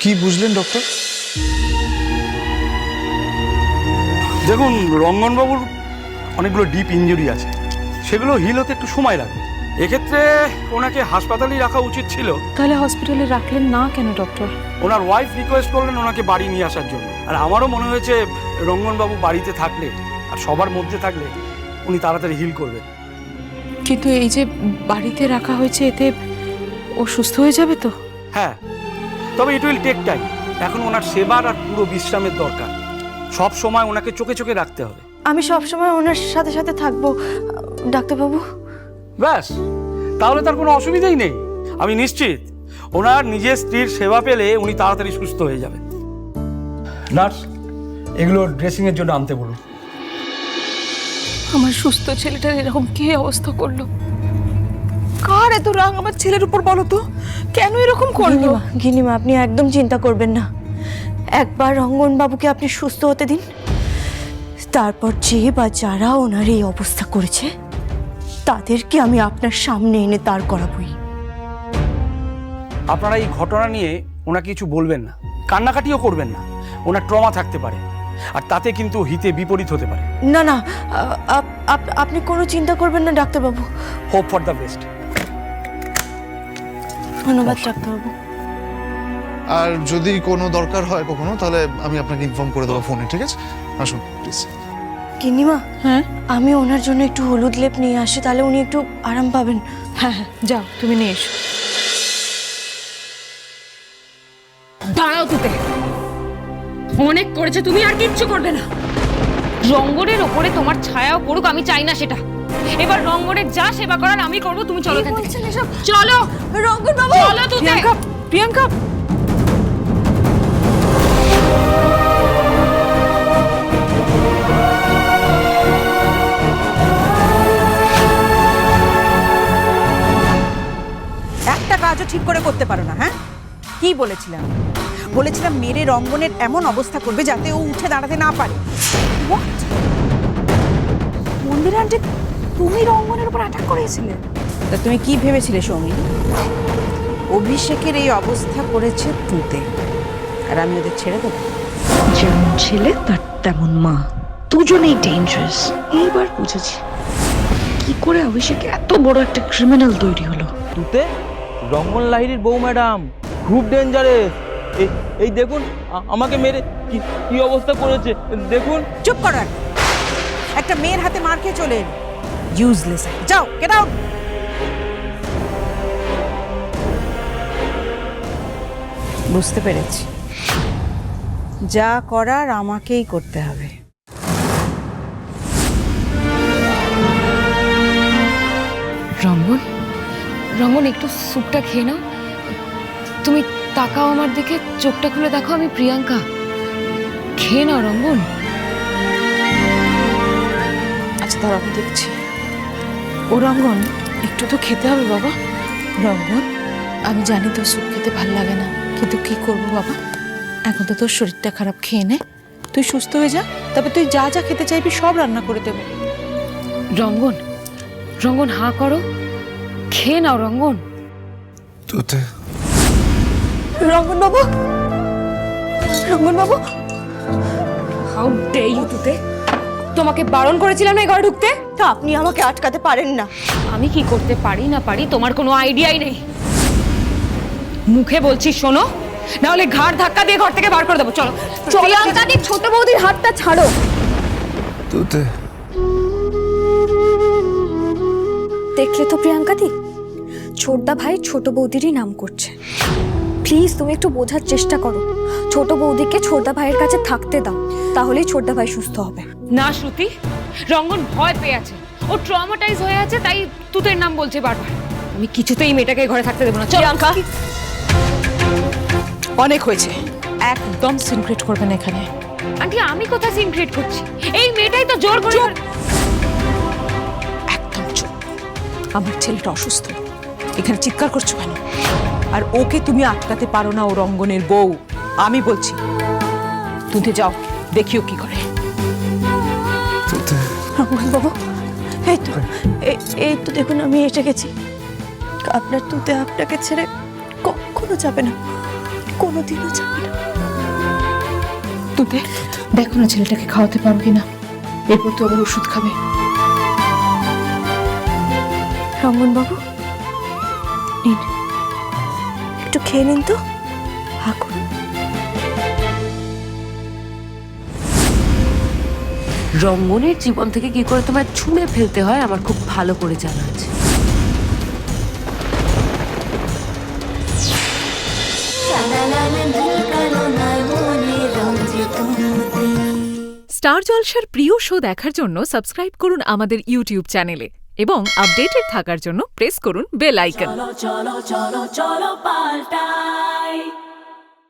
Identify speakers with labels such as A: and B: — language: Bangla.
A: কি বুঝলেন ডক্টর?
B: দেখুন, রঙ্গনবাবুর অনেকগুলো ডিপ ইনজুরি আছে, সেগুলো হিল হতে একটু সময় লাগে। এক্ষেত্রে ওনাকে হাসপাতালেই রাখা উচিত ছিল।
C: তাহলে হসপিটালে রাখলেন না কেন ডক্টর?
B: ওনার ওয়াইফ রিকোয়েস্ট করলেন ওনাকে বাড়ি নিয়ে আসার জন্য। আর আমারও মনে হয়েছে রঙ্গনবাবু বাড়িতে থাকলে আর সবার মধ্যে থাকলে উনি তাড়াতাড়ি হিল করবেন।
C: কিন্তু এই যে বাড়িতে রাখা হয়েছে, এতে ও সুস্থ হয়ে যাবে তো?
B: হ্যাঁ, তবে ইট উইল টেক টাইম। এখন ওনার সেবার আর পুরো বিশ্রামের দরকার। সব সময় ওনাকে চোখে চোখে রাখতে হবে।
D: আমি সব সময় ওনার সাথে সাথে থাকবো ডাক্তারবাবু।
B: ব্যাস, তাহলে তার কোনো অসুবিধাই নেই। আমি নিশ্চিত ওনার নিজের স্ত্রীর সেবা পেলে উনি তাড়াতাড়ি সুস্থ হয়ে যাবেন। নার্স, এগুলো ড্রেসিংয়ের জন্য আনতে বলুন।
C: আমার সুস্থ ছেলেটার এরকম কি অবস্থা করলো? কার এত রাগ আমার ছেলের উপর বলো তো? কেন এরকম করলো?
D: গিনিমা, আপনি একদম চিন্তা করবেন না। একবার রঙ্গনবাবুকে আপনি সুস্থ হতে দিন, তারপর যে বা যারা ওনার এই অবস্থা করেছে তাদেরকে আমি আপনার সামনে এনে দাঁড় করাবই।
B: আপনারা এই ঘটনা নিয়ে ওনাকে কিছু বলবেন না, কান্নাকাটিও করবেন না। ওনার ট্রমা থাকতে পারে, আর তাতে কিন্তু হিতে বিপরীত হতে পারে।
D: না না, আপনি কোনো চিন্তা করবেন না ডাক্তারবাবু।
B: Hope for the best.
D: ধন্যবাদ ডাক্তারবাবু।
A: আর যদি কোনো দরকার হয় কখনো, তাহলে আমি আপনাকে ইনফর্ম করে দেবো ফোনে, ঠিক আছে? আসুন প্লিজ।
D: গিনিমা,
C: হ্যাঁ
D: আমি ওনার জন্য একটু হলুদ লেপ নিয়ে আসি, তাহলে উনি একটু আরাম পাবেন।
C: হ্যাঁ হ্যাঁ, যাও তুমি নিয়ে এসো।
E: দাঁড়াও তুতে, অনেক করেছে তুমি, আর কিচ্ছু করবে না। রঙ্গনের ওপরে তোমার ছায়াও পড়ুক, আমি চাই না সেটা। এবার রঙ্গনের যা সেবা করার আমি করবো, তুমি চলো এখান থেকে। চলো
D: রঙ্গনবাবু,
E: চলো তুতে।
C: প্রিয়াঙ্কা, প্রিয়াঙ্কা,
F: একটা কাজও ঠিক করে করতে পারো না। হ্যাঁ, কি বলেছিলাম? বলেছিলাম মেরে রঙ্গনের এমন অবস্থা করবে যাতে ও উঠে দাঁড়াতে না পারে। What? মন্দির আন্টি, তুমি রঙ্গনের উপর অ্যাটাক করেছিলে? তা তুমি কি ভেবেছিলে সৌমি? অভিষেকের এই অবস্থা করেছে তুতে, আর আমি ওদের ছেড়ে দেবো?
G: যেমন ছেলে তার তেমন মা, দুজনেই ডেঞ্জারাস। এইবার বুঝেছি কি করে অভিষেক এত বড় একটা ক্রিমিনাল তৈরি হলো।
H: তুতে, রঙ্গন লাহিড়ির বউ ম্যাডাম খুব ডেঞ্জারেস। এই দেখুন আমাকে মেরে কি অবস্থা করেছে দেখুন।
F: চুপ করো, একটা মেয়ের হাতে মার খেয়ে চলে এলি। ইউজলেস। যাও, গেট আউট। বুঝতে পেরেছি, যা করার আমাকেই করতে হবে।
E: রঙ্গন, রঙ্গন একটু স্যুপটা খেয়ে নাও। তুমি তাকাও আমার দিকে, চোখটা খুলে দেখো, আমি প্রিয়াঙ্কা। খেয়ে নাও রঙ্গন।
C: আচ্ছা দাঁড়া, আমি দেখছি। ও রঙ্গন, একটু তো খেতে হবে বাবা। রঙ্গন, আমি জানি তোর স্যুপ খেতে ভাল লাগে না, কিন্তু কি করবো বাবা, এখন তো তোর শরীরটা খারাপ। খেয়ে নে, তুই সুস্থ হয়ে যা, তারপর তুই যা যা খেতে চাইবি সব রান্না করে দেবো।
E: রঙ্গন, রঙ্গন হাঁ করো, খেয়ে নাও রঙ্গন।
A: তুতে,
D: রঙ্গনবাবু, রঙ্গনবাবু,
E: হাউ ডে ইউ তুতে, তোমাকে বারণ করেছিলাম না এই ঘরে ঢুকতে।
D: তা আপনি আমাকে আটকাতে পারেন না।
E: আমি কি করতে পারি না পারি তোমার কোনো আইডিয়াই নেই। মুখে বলছি শোনো, না হলে ঘাড় ধাক্কা দিয়ে ঘর থেকে বার করে দেবো। চলো প্রিয়াঙ্কা দি, ছোট বৌদির হাতটা ছাড়ো।
A: তুতে,
I: দেখলে তো প্রিয়াঙ্কা দি, ছোটদা ভাই ছোট বৌদিরই নাম করছে। প্লিজ তুমি একটু বোঝার চেষ্টা করো। ছোট বৌদিকে ছোটদা ভাইয়ের কাছে থাকতে দাও, তাহলেই ছোটদা ভাই সুস্থ হবে।
E: না শ্রুতি, রঙ্গন ভয় পেয়ে আছে, ও ট্রমাটাইজ হয়ে আছে, তাই তুতের নাম বলছে বারবার। আমি কিছুতেই মেয়েটাকে ঘরে থাকতে দেবো না।
C: প্রিয়াঙ্কা, অনেক হয়েছে, একদম সিনক্রেট করবেন এখানে।
E: আন্টি, আমি কোথায় সিন ক্রিয়েট করছি? এই মেয়েটাই তো জোর করে।
F: একদম চুপ। আমার ছেলেটা অসুস্থ, এখানে চিৎকার করছো কেন? আর ওকে তুমি আটকাতে পারো না, ও রঙ্গনের বউ। আমি বলছি তুমি যাও, দেখিও কি করে।
A: তুতে,
D: রঙ্গনবাবু, এই তো দেখুন আমি এসে গেছি। আপনার তুতে আপনাকে ছেড়ে কখনো যাবে না। কোনোদিনও যাবে না।
C: তুতে দেখো না ছেলেটাকে খাওয়াতে পারো কিনা, এরপর তো আবার ওষুধ খাবে।
D: রঙ্গনবাবু নিন, একটু খেয়ে নিন তো। হা করুন।
J: রঙ্গনের জীবন থেকে কি করে তোমায় ছুঁড়ে ফেলতে হয় আমার খুব ভালো করে জানা আছে।
F: স্টার জলসার প্রিয় শো দেখার জন্য সাবস্ক্রাইব করুন আমাদের ইউটিউব চ্যানেলে এবং আপডেটেড থাকার জন্য প্রেস করুন বেল আইকন।
K: চলো চলো চলো চলো পাল্টাই